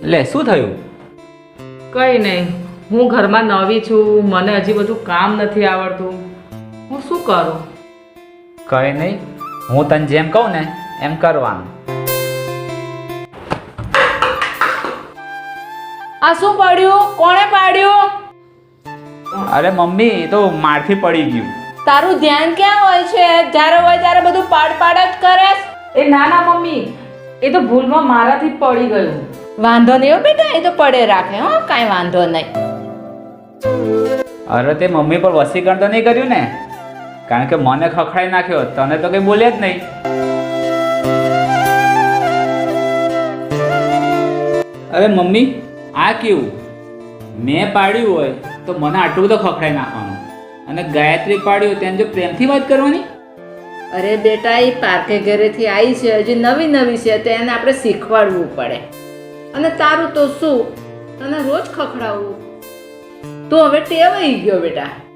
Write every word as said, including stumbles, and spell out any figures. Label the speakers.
Speaker 1: લે શું થયું?
Speaker 2: કંઈ નહીં, હું ઘરમાં નવી છું, મને હજી બધું કામ નથી આવડતું, હું શું કરું?
Speaker 1: કંઈ નહીં, હું તને જેમ કહું ને એમ કરવાનું.
Speaker 3: આ શું પડ્યું? કોણે પાડ્યું?
Speaker 1: અરે મમ્મી, એ તો મારથી પડી ગયું.
Speaker 3: તારું ધ્યાન ક્યાં હોય છે? જ્યારે હોય ત્યારે બધું પાડ પાડ જ કરે.
Speaker 2: એ ના ના મમ્મી, એ તો ભૂલમાં મારાથી જ પડી ગયું.
Speaker 3: વાંધો નહીં હો બેટા, એ તો પડે રાખે હો, કાંઈ વાંધો નહીં.
Speaker 1: અરે તે મમ્મી પર વસીકરણ તો નહીં કર્યું ને? કારણ કે મને ખખડાઈ નાખ્યો, તને તો કંઈ બોલે જ નહીં. અરે મમ્મી, આ કેવું? મેં પાડ્યું હોય તો મને આટલું બધું ખખડાઈ નાખવાનું, અને ગાયત્રી પાડ્યું તેને જો પ્રેમથી વાત કરવાની.
Speaker 3: અરે બેટા, એ પાર્કે ઘરેથી આવી છે, હજી નવી નવી છે, તો એને આપણે શીખવાડવું પડે. અને તારું તો શું, તને રોજ ખખડાવવું, તો હવે ટેવાઈ ગયો બેટા.